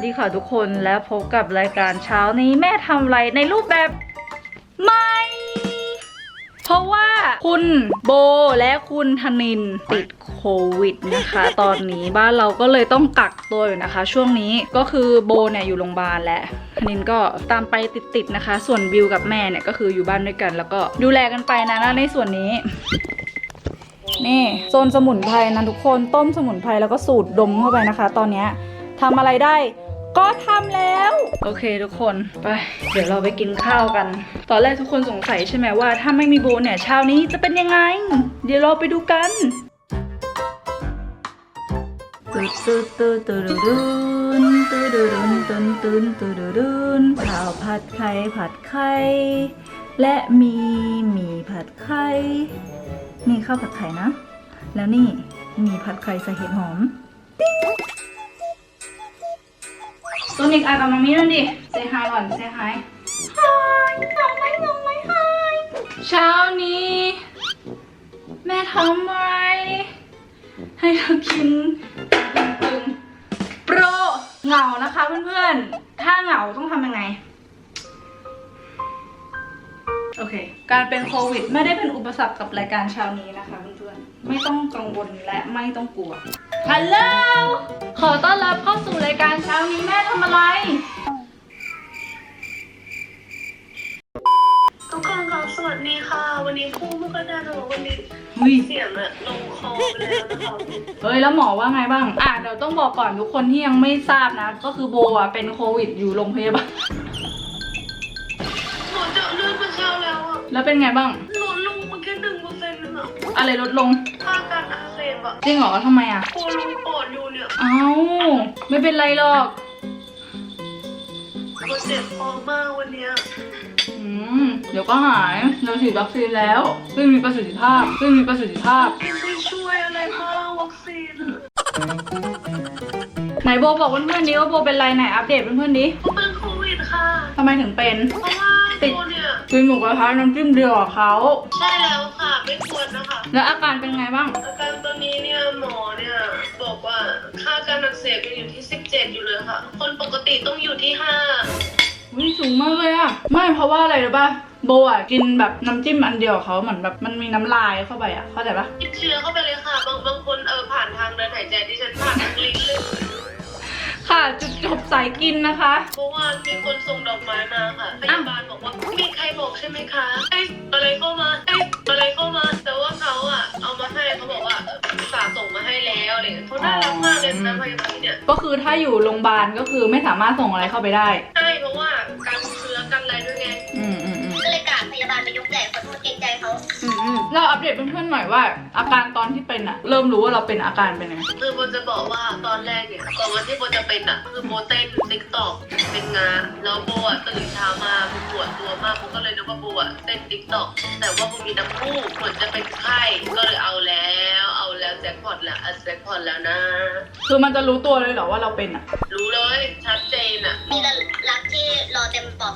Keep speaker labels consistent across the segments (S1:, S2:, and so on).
S1: ดีค่ะทุกคนและพบกับรายการเช้านี้แม่ทำอะไรในรูปแบบใหม่เพราะว่าคุณโบและคุณธนินติดโควิดนะคะตอนนี้บ้านเราก็เลยต้องกักตัวอยู่นะคะช่วงนี้ก็คือโบเนี่ยอยู่โรงพยาบาลและธนินก็ตามไปติดๆนะคะส่วนบิวกับแม่เนี่ยก็คืออยู่บ้านด้วยกันแล้วก็ดูแลกันไปนะในส่วนนี้นี่โซนสมุนไพรนะทุกคนต้มสมุนไพรแล้วก็สูดดมเข้าไปนะคะตอนนี้ทำอะไรได้ก็ทำแล้วโอเคทุกคนไปเดี๋ยวเราไปกินข้าวกันตอนแรกทุกคนสงสัยใช่ไหมว่าถ้าไม่มีโบเนี่ยเช้านี้จะเป็นยังไงเดี๋ยวเราไปดูกันข้าวผัดไข่และมีหมี่ผัดไข่นี่ข้าวผัดไข่นะแล้วนี่หมี่ผัดไข่ใส่เห็ดหอมตัวนิกกับมามี่นั่นดิเซฮายก่อนเซฮายฮายงงไหมฮายเช้านี้แม่ทำอะไรให้เรากินตึงโปรเหงานะคะเพื่อนๆถ้าเหงาต้องทำยังไงโอเคการเป็นโควิดไม่ได้เป็นอุปสรรคกับรายการเช้านี้นะคะเพื่อนๆไม่ต้องกังวลและไม่ต้องกลัวฮัลโหลขอต้อนรับเข้าสู่รายการเช้านี้แม่ทำอะไร
S2: ทุกคนครับสวัสดีค่ะวันนี้พูดไม่ค่อยได้แต่ว่าวันนี้เสียงอะลงคอไปแล้วนะคะ
S1: เฮ้ยแล้วหมอว่าไงบ้างเดี๋ยวต้องบอกก่อนทุกคนที่ยังไม่ทราบนะก็คือโบอ่ะเป็นโควิดอยู่โรงพยาบาล
S2: หนูเจาะเลือดมาเช้าแล้วอะ
S1: แล้วเป็นไงบ้าง
S2: ลดลงมาแค่1%นึงอะ
S1: อะไรลดลง
S2: ค่าการอักเสบอะ
S1: จริงเหรอทำไมอ่ะ
S2: ปวดลงปอดอยู่เนี่ย
S1: เอ้าไม่เป็นไรหรอก
S2: ก็เจ็บคอมากวันเนี้ย
S1: เดี๋ยวก็หายเราฉีดวัคซีนแล้วซึ่งมีประสิทธิภาพ
S2: ไม่ช่วยอะไรบ้างวัคซีน
S1: ไหนโบบอกเพื่อนๆดิว่าโบเป็นไรไหนอัปเดตเพื่อนๆดิ
S2: ก็เป็นโควิดค่ะ
S1: ทำไมถึงเป็น
S2: เพราะว่าโบเนี่ย
S1: กินหมูกระทะน้ำจิ้มเดียวกับเขา
S2: ใช่แล้วค่ะไม่ควรนะคะ
S1: แล้วอาการเป็นไงบ้าง
S2: อาการตอนนี้เนี่ยหมอเนี่ยบอกว่าค่าการอักเสบยังอยู่ที่17อยู่เลยค่ะคนปกติต้องอยู่ที่5
S1: สูงมากเลยอะไม่เพราะว่าอะไรรู้ป่ะโบอ่ะกินแบบน้ำจิ้มอันเดียวเขาเหมือนแบบมันมีน้ำลายเข้าไปอ่ะเข้าใจปะ
S2: ติดเชื้อเข้าไปเลยค่ะบางคนผ่านทางเดินหายใจที่ฉันผ่านทางลิ้นเลย
S1: ค่ะจุดจบสายกินนะคะ
S2: เพราะว่ามีคนส่งดอกไม้มาค่ะพยาบาลบอกว่ามีใครบอกใช่ไหมคะอะไรเข้ามาแต่ว่าเขาอ่ะเอามาให้เขาบอกว่าฝากส่งมาให้แล้วอะไรเขาน่ารักมากเลยนะพยาบาลเนี่ย
S1: ก็คือถ้าอยู่โรงพยาบาลก็คือไม่สามารถส่งอะไรเข้าไปได้
S2: ใช่เพราะว่าการเชื้อกันอะไรด้วยไงก็เลยกราบพยาบาลไปยกใหญ่ขอโทษเกรงใจเขา
S1: เราอัปเดตเพื่อนๆหน่อยว่าอาการตอนที่เป็นอะเริ่มรู้ว่าเราเป็นอาการเป็นยังไง
S2: คือโบจะบอกว่าตอนแรกเนี่ยก่อนวันที่โบจะเป็นอะคือโบเต้นติ๊กต็อกเป็นงานแล้วโบอะตื่นเช้ามาโบปวดตัวมากโบก็เลยนึกว่าโบอะเต้นติ๊กต็อกแต่ว่าโบมีน้ำมูกเหมือนจะเป็นไข้ก็เลยเอาแล้วแจ็คพอตแล้วนะ
S1: คือมันจะรู้ตัวเลยเหรอว่าเราเป็นอะ
S2: รู้เลยชัดเจนอะ
S3: มีรักที่รอเต็มปอด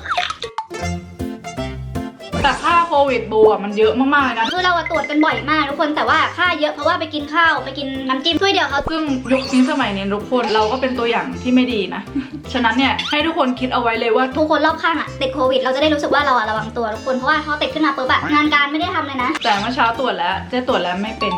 S1: แต่ค่าโควิดโบอ่ะมันเยอะมากๆเลยนะ
S3: คือเราตรวจกันบ่อยมากทุกคนแต่ว่าค่าเยอะเพราะว่าไปกินข้าวไปกินน้ำจิ้มถ้วยเดียวเขา
S1: ซึ่งยุคนี้สมัยนี้ทุกคนเราก็เป็นตัวอย่างที่ไม่ดีนะฉะนั้นเนี่ยให้ทุกคนคิดเอาไว้เลยว่า
S3: ทุกคนรอบข้างอ่ะติดโควิดเราจะได้รู้สึกว่าเราระวังตัวทุกคนเพราะว่าพอติดขึ้นมาปุ๊บงานการไม่ได้ทำเลยนะ
S1: แต่เมื่อเช้าตรวจแล้วเจ๊ตรวจแล้วไม่เป็น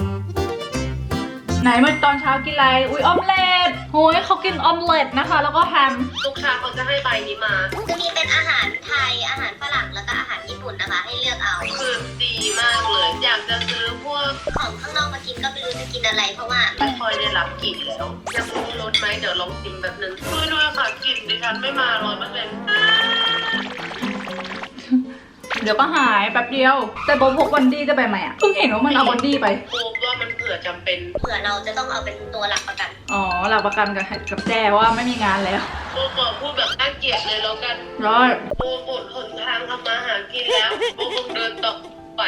S1: ไหนเมื่อตอนเช้ากินอะไรออมเล็ตโอ้ยเขากินออมเล็ตนะคะแล้วก็แฮม
S2: ทุกเช้าเขาจะให้ใบนี้มา
S3: จะมีเป็นอาหารไทยอาหารฝรั่งแล้วก็อาหารญี่ปุ่นนะคะให้เลือกเอา
S2: คือดีมากเลยอยากจะซื้อพวก
S3: ของข้างนอกมากินก็ไม่รู้จะกินอะไรเพราะว่า
S2: ไม่ค่อยได้รับกลิ่นแล้วยังรู้รสไหมเดี๋ยวลองชิมแบบนึงด้วยค่ะกลิ่นดิฉันไม่มา100%
S1: เดี๋ยวก็หายแป๊บเดียวแต่โบพกวันดี้จะไปไหมอ่ะเพิ่งเห็นว่ามันเอาวันดี้ไป
S2: โบว่ามันเผื่อจำเป็น
S3: เผื่อเราจะต้องเอาเป็นตัวหลักประกัน
S1: หลักประกันกับแจ้ว่าไม่มีงานแล้ว
S2: โบบอกพูดแบบน่าเกลียดเลยแล้วกัน
S1: ร้อย
S2: โบหมดหนทางทำมาหากินแล้วโบคงเดินต่อไป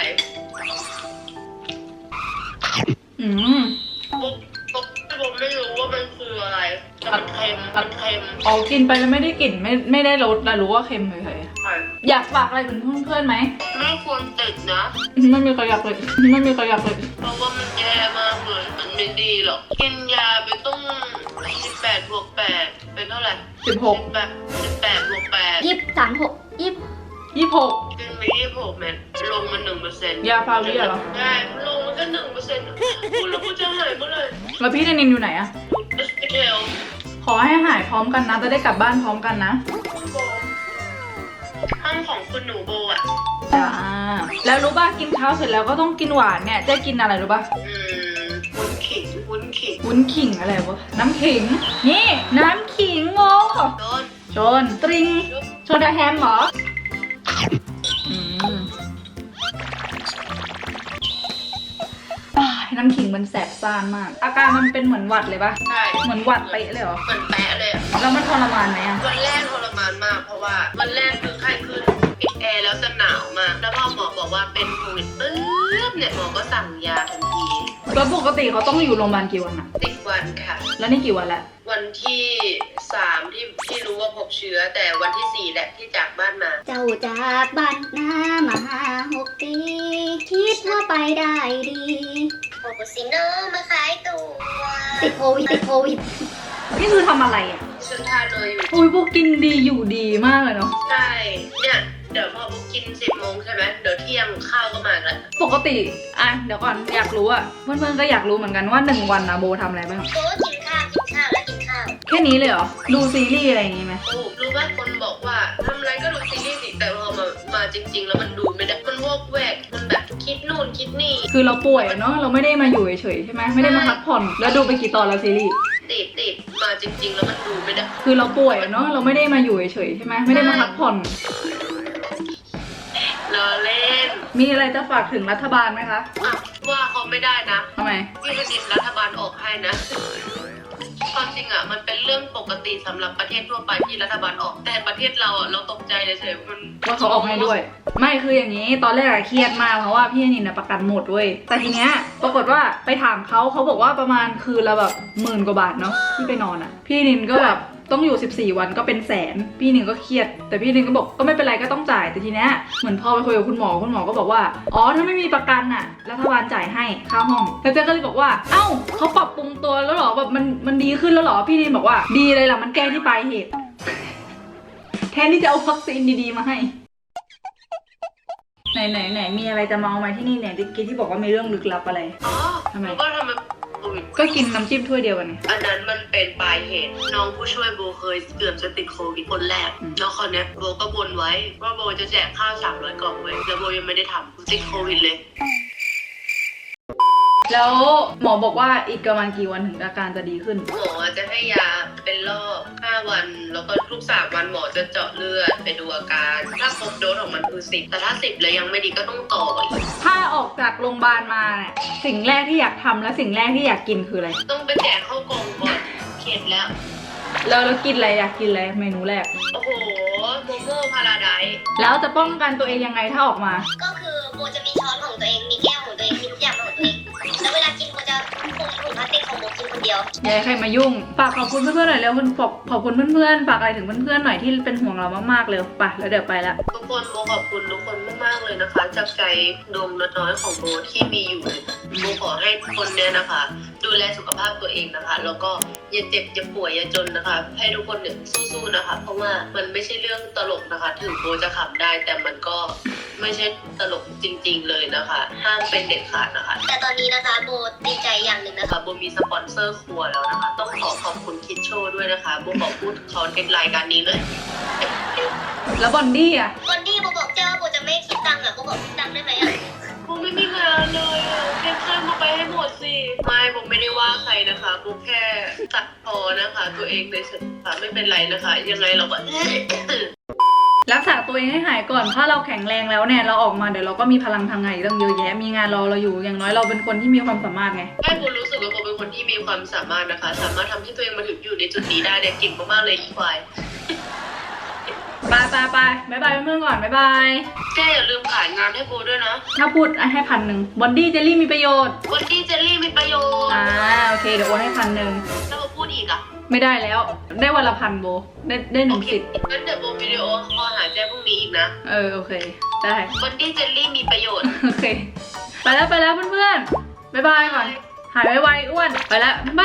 S2: โบไม่รู้ว่ามันคืออะไรมันเค็ม
S1: กินไปแล้วไม่ได้กลิ่นไม่ได้รสแต่รู้ว่าเค็มเฉยๆอยากฝากอะไรถึงเพื่อนๆไหม
S2: ไม่ควรติดนะ
S1: ไม่มีใครอยากเลย
S2: เพราะว่ามันแย่มากเลยมันไม่ดีหรอกกินยาไปต้อง18+8เป็นเท่าไหร่
S1: 16
S2: แบบ18บวก8
S3: 23 6
S1: 26
S2: ขึ้นไป26แมนลงมา1%
S1: ยาฟาวิเหรอ
S2: ใช่ลงมาแค่1%คุณแล้วกูจะหายเมื่อไหร่
S1: แล้วพี่นินอยู่ไหนอะ
S2: สเกล
S1: ขอให้หายพร้อมกันนะ จะได้กลับบ้านพร้อมกันนะ
S2: ห้องของคุณหนูโบอ่ะ
S1: จ้า แล้วรู้ป่ะกินข้าวเสร็จแล้วก็ต้องกินหวานเนี่ยจะกินอะไรรู้ป่ะ
S2: วุ้นขิง
S1: วุ้นขิงอะไรวะ น้ำขิง นี่ น้ำขิงโม
S2: โดน
S1: ชนตริงชนแฮมเหรออืมอ้ายน้ำขิงมันแสบซ่านมาก อาการมันเป็นเหมือนหวัดเลยปะ
S2: ใช่
S1: เหมือนหวัดไปะเลยเหรอ
S2: เหมือนแปะเลยอะ
S1: แล้วมันทรมานไหมอะ
S2: วันแรกทรมานมากเพราะว่าวันแรกคือไข้ขึ้นปิดแอร์แล้วจะหนาวมาก แล้วพอหมอบอกว่าเป็นโควิดปึ๊บเนี่ยหมอก็สั่งยาทันที
S1: แล้วปกติเขาต้องอยู่โรงพยาบาลกี่วันอะ
S2: 10 วันค่ะ
S1: แล้วนี่กี่วันละ
S2: วันที่ 3ที่รู้ว่าพบเชื้อ แต่วันที่ 4แหละที่จากบ้านมา
S3: เจ้าจากบ้านนามา6 ปี คิดว่าไปได้ดี
S2: โอซิโนมาขายตัว
S3: ติดโควิด
S1: นี่คือทำอะไรอะ
S2: ฉันทานเลยอยู่
S1: อุ้ยพวกกินดีอยู่ดีมากเลยเนาะ
S2: ใช่เนี่ยเดี๋ยวพอพวกกิน10 โมงใช่ไหมเดี๋ยวเที่ยงข้าวก็มาแล้ว
S1: ปกติอ่ะเดี๋ยวก่อนอยากรู้อะเพื่อนๆก็อยากรู้เหมือนกันว่า1 วันนะโบทำอะไรบ้าง
S2: โอ้กินข้าวแล้วกินข้าว
S1: แค่นี้เลยเหรอ ดูซีรีส์อะไรอย่างงี้ไหม
S2: โอ้รู้ไหมคนบอกว่าทำอะไรก็ดูซีรีส์สิแต่พอมาจริง ๆ แล้วมันดูไม่ได้มันวอกแวกมันแบบคิดนู่นคิดนี่
S1: คือเราป่วยอะเนาะเราไม่ได้มาอยู่เฉยๆใช่ไหมไม่ได้มาพักผ่อนแล้วดูไปกี่ตอนแล้วซีรีส์
S2: ติดมาจริง ๆ แล้วมันดูไม่ได้
S1: คือเราป่วยอะเนาะเราไม่ได้มาอยู่เฉยๆใช่ไหมไม่ได้มาพักผ่อน
S2: รอเล่น
S1: มีอะไรจะฝากถึงรัฐบาลไหมคะ
S2: อ่ะว่าเขาไม่ได้นะ
S1: ทำไม
S2: พี่ธนินรัฐบาลออกให้นะ ความจริงอ่ะมันเป็นเรื่องปกติสำหรับประเทศทั่วไปที่รัฐบาลออก แต่ประเทศเราอ่ะเราตกใจเฉยๆมัน
S1: ว่าเขาออกให้ด้วย ไม่คืออย่างนี้ตอนแรกอะเครียดมากเพราะว่าพี่นินนะประกันหมดเว้ยแต่ทีเนี้ยปรากฏว่าไปถามเขาบอกว่าประมาณคืนละแบบ10,000 กว่าบาทเนาะที่ไปนอนอะพี่นินก็แบบต้องอยู่14 วันก็เป็นแสนพี่นินก็เครียด แต่พี่นินก็บอกก็ไม่เป็นไรก็ต้องจ่ายแต่ทีเนี้ยเหมือนพอไปคุยกับคุณหมอก็บอกว่าอ๋อถ้าไม่มีประกันอะรัฐบาลจ่ายให้ค่าห้องแล้วเจ๊ก็เลยบอกว่าเอ้าเขาปรับปรุงตัวแล้วเหรอแบบมันดีขึ้นแล้วเหรอพี่นินบอกว่าดีเลยล่ะมันแก้ที่ปลายเหตุ แทนที่จะเอาวัคซีนดีๆมาให้ ไหนมีอะไรจะเมาไหมที่นี่เนี่ยกี้ที่บอกว่ามีเรื่องลึกลับอะไร
S2: อ๋อ
S1: ทำไม
S2: แล้วก็ทำไมโควิด
S1: ก็กินน้ำจิ้มถ้วยเดียวกันไง
S2: อันนั้นมันเป็นปลายเหตุ น้องผู้ช่วยโบเคยเกือบจะติดโควิดคนแรก แล้วคราวเนี้ยโบก็บนไว้ว่าโบจะแจกข้าว300 กล่องไว้แล้วโบยังไม่ได้ทำติดโควิดเลย
S1: แล้วหมอบอกว่าอีกประมาณกี่วันถึงอาการจะดีขึ้น
S2: หมอจะให้ยาเป็นรอบ5 วัน แล้วก็ทุก3 วันหมอจะเจาะเลือดไปดูอาการ ถ้าครบโดสของมันคือ10แต่ถ้า10แล้วยังไม่ดีก็ต้องต่ออีก
S1: ถ้าออกจากโรงพยาบาลมาเนี่ยสิ่งแรกที่อยากทำและสิ่งแรกที่อยากกินคืออะไร
S2: ต้องไปแจกข้าวกล่องก่อนเข็ดแล้ว
S1: แล้วกินอะไรอยากกินอะไรเมนูแรก
S2: โอ้โหโมโม่พาราไดซ์
S1: แล้วจะป้องกันตัวเองยังไงถ้าออกมา
S3: ก็คือโบจะมีช้อนของตัวเอง มีแก้วของตัวเอง มีทุกอย่างของตัวเอง แล้วเวลากินโบจะคุมถุงพลาสติกของโบกินคนเดียว
S1: อย่าให้ใครมายุ่ง ฝากขอบคุณเพื่อนๆหน่อยเร็วขอบคุณเพื่อนๆฝากอะไรถึงเพื่อนๆหน่อยที่เป็นห่วงเรามากๆเลยไปแล้วเดี๋ยวไปละ
S2: ทุกคนโบขอบคุณทุกคนมากๆเลยนะคะ จากใจดวงน้อยๆของโบที่มีอยู่โบขอให้ทุกคนเนี่ยนะคะ ดูแลสุขภาพตัวเองนะคะ แล้วก็อย่าเจ็บอย่าป่วยอย่าจนนะคะ ให้ทุกคนเนี่ยสู้ๆนะคะ เพราะว่ามันไม่ใช่เรื่องตลกนะคะ ถึงโบจะขำได้ แต่มันก็ไม่ใช่ตลกจริง ๆ เลยนะคะ ห้ามเป็นเด็ดขาดนะคะ
S3: แต่ตอนนี้นะคะโบดีใจอย่างหนึ่งนะคะ
S2: โบมีสปอนเซอร์ครัวแล้วนะคะ ต้องขอขอบคุณคิดโชว์ด้วยนะคะโบขอพูดเขาในรายการนี้เลย
S1: แล้วบอนดี้อ่ะ
S3: วันที่โบบอกเจ้าว่าโบจะไม่คิดตังค์อ่ะโบบอกคิดตังค์ได้ไหมอ่ะ
S2: โบไม่มีงานเลยอ่ะเก็บข้าวมาไปให้หมดสิไม่โบไม่ได้ว่าใครนะคะโบแค่ตัดพอนะคะ ตัวเองเลยค่ะไม่เป็นไรนะคะ ยังไงเราก็
S1: รักษาตัวเองให้หายก่อน ถ้าเราแข็งแรงแล้วเนี่ยเราออกมาเดี๋ยวเราก็มีพลังทางไงตั้งเยอะแยะ มีงานรอเราอยู่ อย่างน้อยเราเป็นคนที่มีความสามารถไง
S2: แค่โบรู้สึกว่าโบเป็นคนที่มีความสามารถนะคะ สามารถทำให้ตัวเองมาถึงอยู่ในจุดนี้ได้เนี่ยเก่งมากๆเลยอีควาย
S1: ไปบ๊ายบายเพื่อนๆก่อนบ๊ายบาย
S2: แกอย่าลืมขายงานให้โบด้วยนะ
S1: ถ้าพูดให้1,000บอนดี้เจลลี่มีประโยชน์
S2: วันที่เจลลี่มีประโยชน์
S1: โอเคเดี๋ยวโอนให้1,000
S2: ถ้าโบพูดอีกอ่ะ
S1: ไม่ได้แล้ว ได้วันละ1,000โบ ได้หนึ่งสิทธิ์
S2: งั้นเดี๋ยวโบวิดีโอคอลหาแจ้พรุ่งนี้อีกนะ
S1: โอเค ได้
S2: วันที่เจลลี่มีประโยชน์
S1: โอเค ไปแล้วเพื่อนๆบ๊ายบายก่อน หายไวๆอ้วน ไปแล้วบ๊ายบาย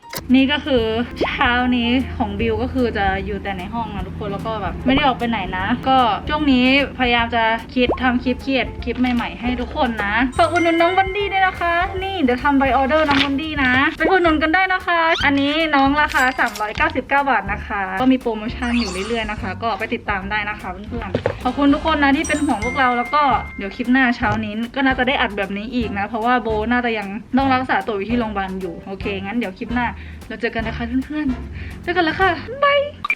S1: นี่ก็คือเช้านี้ของบิวก็คือจะอยู่แต่ในห้องนะทุกคนแล้วก็แบบไม่ได้ออกไปไหนนะ ก็ช่วงนี้พยายามจะทำคลิปเครียดคลิปใหม่ๆให้ทุกคนนะฝากอุดหนุนน้องบันดี้ด้วยนะคะ นี่เดี๋ยวทำใบออเดอร์น้องบันดี้นะไปอุดหนุนกันได้นะคะ อันนี้น้องราคา399 บาทนะคะก็มีโปรโมชั่นอยู่เรื่อยๆนะคะ ก็ไปติดตามได้นะคะเพื่อนๆขอบคุณทุกคนนะที่เป็นห่วงพวกเราแล้วก็เดี๋ยวคลิปหน้าเช้านี้ก็น่าจะได้อัดแบบนี้อีกนะเพราะว่าโบน่าจะยังต้องรักษาตัวอยู่ที่โรงพยาบาลอยู่โอเคงั้นเดี๋ยวคลิปหน้าเราเจอกันนะคะเพื่อนๆเจอกันแล้วค่ะบาย